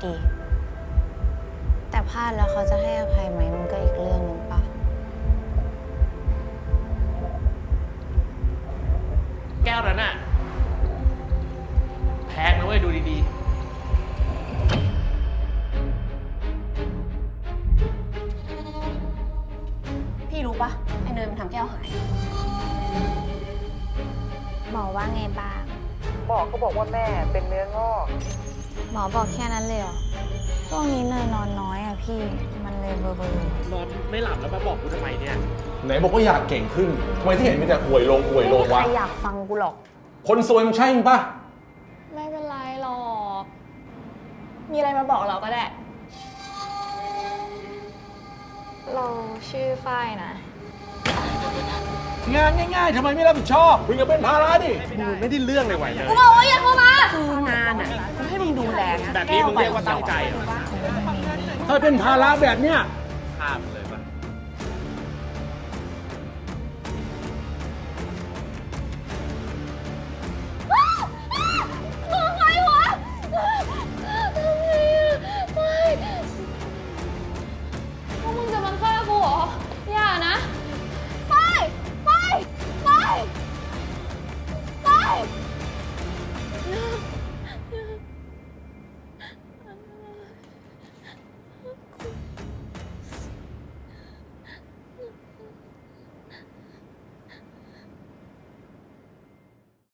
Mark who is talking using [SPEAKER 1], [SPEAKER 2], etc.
[SPEAKER 1] ดี แต่พลาดแล้วเขาจะให้อภัยไหมมันก็อีกเรื่องหนึ่งปะ
[SPEAKER 2] แก้วนั้นน่ะแพงนะเว้ยดูดี
[SPEAKER 3] ๆพี่รู้ปะไอเนยมันทำแก้วหาย
[SPEAKER 1] หมอว่าไงบ้าง
[SPEAKER 4] หมอเขาบอกว่าแม่เป็นเนื้องอก
[SPEAKER 1] หมอบอกแค่นั้นเลยเหรอช่วงนี้เนยนอนน้อยอะพี่มันเลยเบลอ
[SPEAKER 2] ๆนอนไม่หลับแล้วมาบอกกูทำไมเนี่ย
[SPEAKER 5] ไหนบอกว่าอยากเก่งขึ้นทำไมที่เห็นมีแต่อวยลง
[SPEAKER 1] ๆไม่มี
[SPEAKER 5] วะ
[SPEAKER 1] ใครอยากฟังกูหรอก
[SPEAKER 5] คนซวยมันใช่มั้ยปะ
[SPEAKER 3] ไม่เป็นไรหรอก มีอะไรมาบอกเราก็ได้
[SPEAKER 1] เราชื่อฝ้ายนะ
[SPEAKER 5] งานง่ายๆทำไมไม่รับผิดชอบมึงก็เป็นภาระดิ
[SPEAKER 2] มึงไม่ได้เรื่องเลยไหวเลย
[SPEAKER 3] กูบอกว่าอย่าโทรมา คืองานอ่ะกูให้มึงดูแลนะ
[SPEAKER 2] แบบนี้มึงเรียกว่าตั้งใจเหรอ
[SPEAKER 5] ถ้าเป็นภาระแบบเนี้ย
[SPEAKER 2] ข้ามเลย